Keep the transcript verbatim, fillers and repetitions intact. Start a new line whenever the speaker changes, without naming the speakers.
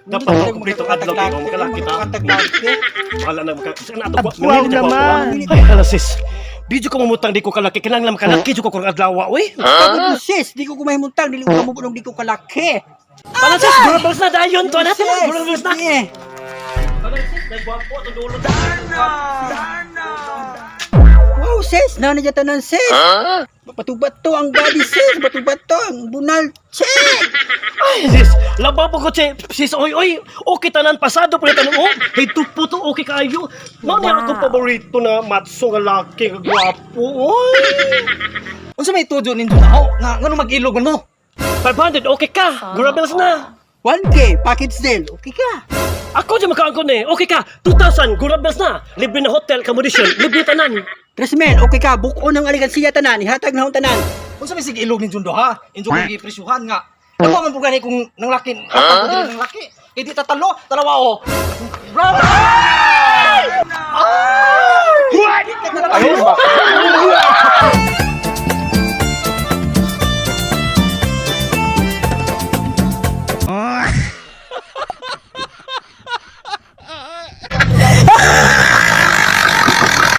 Dapat mo kumplito adlaw kayo, magkalaki ta. Wala na maka.
Wow naman.
Ay, alasis. Di ko mamutang di ko kalaki, kinahanglan makalaki jud ko kung adlaw, oy.
Huh? Sis, di ko kumahimuntang, dili ko kamubulong, di ko kalaki.
Alasis, durables na dayon to na. Durables na.
Sige.
Alasis, nagwapo to dulo.
Wow, sis, nanay tanan sis. Bato-bato ang body sis, bato-bato ang bunal. Check!
Ay, sis, laba po ko, che. Sis, oy, oy. Okay tanan, pasado po na tanong, oh. Hey, tupo to, okay kayo. Mao ni akong paborito na matso nga laki, nga gwapo, oy.
Unsa may tudo ninyo na? Oh, nga ngano mag-ilog man mo?
five hundred, okay ka. Durables na.
one K, package deal. Okay ka.
Ako dyan makaangkon eh. Okay ka. two thousand, gurables na. Libre na hotel, accommodation. Libre tanan.
Tresmen, okay ka. Buko ng aligansiya tanan. Ihatag na akong tanan.
Unsa may sige ilog ninyo do ha? Injo ko gipresyuhan nga. Ano man po gani kung nang laki, hatag ko din nang laki. Eh di tatalo, talawa oh. Bravo!